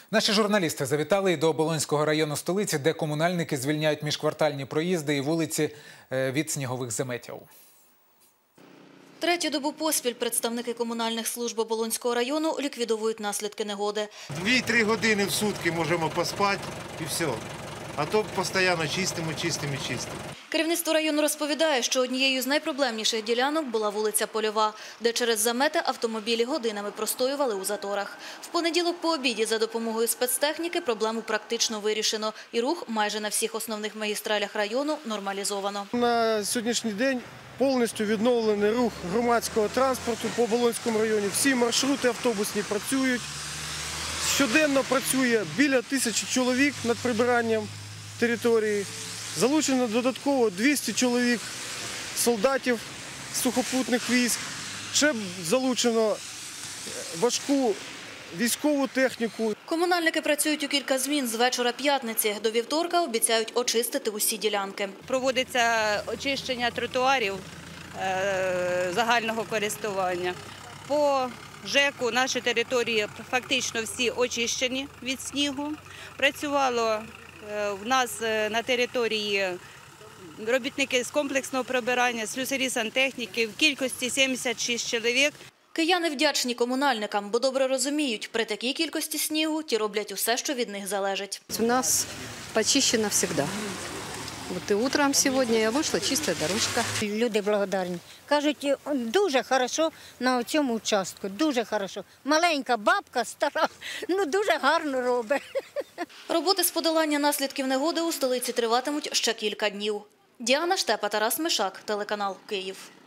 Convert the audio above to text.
Наші журналісти завітали і до Оболонського району столиці, де комунальники звільняють міжквартальні проїзди і вулиці від снігових заметів. Третю добу поспіль представники комунальних служб Оболонського району ліквідовують наслідки негоди. 2-3 години в сутки можемо поспати і все. А то постійно чистимо. Керівництво району розповідає, що однією з найпроблемніших ділянок була вулиця Польова, де через замети автомобілі годинами простоювали у заторах. В понеділок по обіді за допомогою спецтехніки проблему практично вирішено і рух майже на всіх основних магістралях району нормалізовано. На сьогоднішній день повністю відновлений рух громадського транспорту по Оболонському районі. Всі маршрути автобусні працюють. Щоденно працює біля 1000 чоловік над прибиранням території. Залучено додатково 200 чоловік солдатів сухопутних військ. Ще залучено важку військову техніку. Комунальники працюють у кілька змін з вечора п'ятниці. До вівторка обіцяють очистити усі ділянки. Проводиться очищення тротуарів загального користування. По ЖЕКу наші території фактично всі очищені від снігу. Працювало в нас на території робітники з комплексного прибирання, слюсарі сантехніки в кількості 76 чоловік. Кияни вдячні комунальникам, бо добре розуміють, при такій кількості снігу ті роблять усе, що від них залежить. У нас почищено завжди. От і утром сьогодні я вийшла, чиста дорожка. Люди благодарні. Кажуть, дуже добре на цьому участку, дуже добре. Маленька бабка, стара, дуже гарно робить. Роботи з подолання наслідків негоди у столиці триватимуть ще кілька днів. Діана Штепа, Тарас Мишак, телеканал «Київ».